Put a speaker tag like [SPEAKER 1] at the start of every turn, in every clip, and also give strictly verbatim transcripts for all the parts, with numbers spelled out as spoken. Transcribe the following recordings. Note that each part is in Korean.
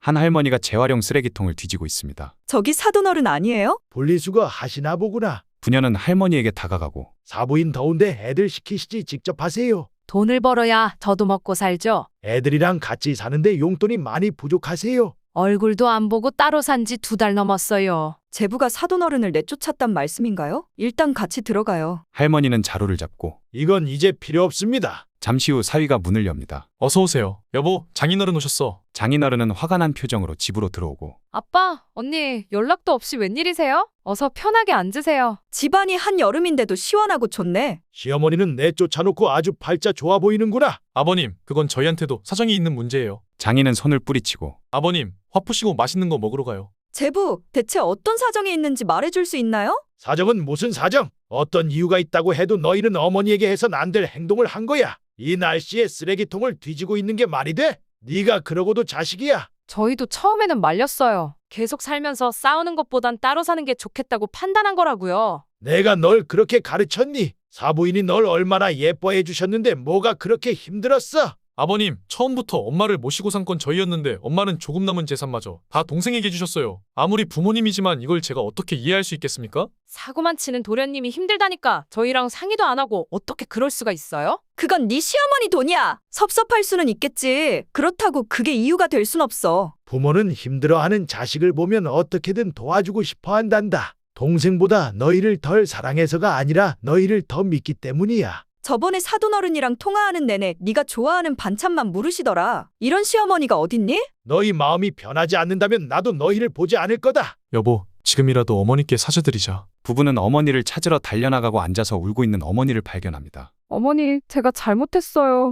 [SPEAKER 1] 한 할머니가 재활용 쓰레기통을 뒤지고 있습니다.
[SPEAKER 2] 저기 사돈어른 아니에요?
[SPEAKER 3] 분리수거 하시나 보구나.
[SPEAKER 1] 부녀는 할머니에게 다가가고
[SPEAKER 3] 사부인 더운데 애들 시키시지 직접 하세요.
[SPEAKER 4] 돈을 벌어야 저도 먹고 살죠.
[SPEAKER 3] 애들이랑 같이 사는데 용돈이 많이 부족하세요.
[SPEAKER 4] 얼굴도 안 보고 따로 산 지 두 달 넘었어요.
[SPEAKER 2] 제부가 사돈어른을 내쫓았단 말씀인가요? 일단 같이 들어가요.
[SPEAKER 1] 할머니는 자루를 잡고
[SPEAKER 3] 이건 이제 필요 없습니다.
[SPEAKER 1] 잠시 후 사위가 문을 엽니다.
[SPEAKER 5] 어서 오세요. 여보, 장인어른 오셨어.
[SPEAKER 1] 장인어른은 화가 난 표정으로 집으로 들어오고
[SPEAKER 4] 아빠, 언니, 연락도 없이 웬일이세요? 어서 편하게 앉으세요.
[SPEAKER 2] 집안이 한여름인데도 시원하고 좋네.
[SPEAKER 3] 시어머니는 내쫓아놓고 아주 팔자 좋아 보이는구나.
[SPEAKER 5] 아버님, 그건 저희한테도 사정이 있는 문제예요.
[SPEAKER 1] 장인은 손을 뿌리치고
[SPEAKER 5] 아버님, 화 푸시고 맛있는 거 먹으러 가요.
[SPEAKER 2] 제부, 대체 어떤 사정이 있는지 말해줄 수 있나요?
[SPEAKER 3] 사정은 무슨 사정? 어떤 이유가 있다고 해도 너희는 어머니에게 해선 안 될 행동을 한 거야. 이 날씨에 쓰레기통을 뒤지고 있는 게 말이 돼? 네가 그러고도 자식이야.
[SPEAKER 4] 저희도 처음에는 말렸어요. 계속 살면서 싸우는 것보단 따로 사는 게 좋겠다고 판단한 거라고요.
[SPEAKER 3] 내가 널 그렇게 가르쳤니? 사부인이 널 얼마나 예뻐해 주셨는데 뭐가 그렇게 힘들었어?
[SPEAKER 5] 아버님, 처음부터 엄마를 모시고 산 건 저희였는데 엄마는 조금 남은 재산마저 다 동생에게 주셨어요. 아무리 부모님이지만 이걸 제가 어떻게 이해할 수 있겠습니까?
[SPEAKER 4] 사고만 치는 도련님이 힘들다니까 저희랑 상의도 안 하고 어떻게 그럴 수가 있어요?
[SPEAKER 2] 그건 네 시어머니 돈이야. 섭섭할 수는 있겠지. 그렇다고 그게 이유가 될 순 없어.
[SPEAKER 3] 부모는 힘들어하는 자식을 보면 어떻게든 도와주고 싶어 한단다. 동생보다 너희를 덜 사랑해서가 아니라 너희를 더 믿기 때문이야.
[SPEAKER 2] 저번에 사돈어른이랑 통화하는 내내 네가 좋아하는 반찬만 물으시더라. 이런 시어머니가 어딨니?
[SPEAKER 3] 너희 마음이 변하지 않는다면 나도 너희를 보지 않을 거다.
[SPEAKER 5] 여보, 지금이라도 어머니께 사죄드리자.
[SPEAKER 1] 부부는 어머니를 찾으러 달려나가고 앉아서 울고 있는 어머니를 발견합니다.
[SPEAKER 4] 어머니, 제가 잘못했어요.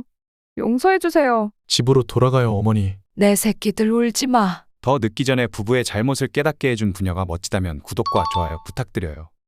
[SPEAKER 4] 용서해주세요.
[SPEAKER 5] 집으로 돌아가요, 어머니.
[SPEAKER 4] 내 새끼들 울지 마.
[SPEAKER 1] 더 늦기 전에 부부의 잘못을 깨닫게 해준 부녀가 멋지다면 구독과 좋아요 부탁드려요.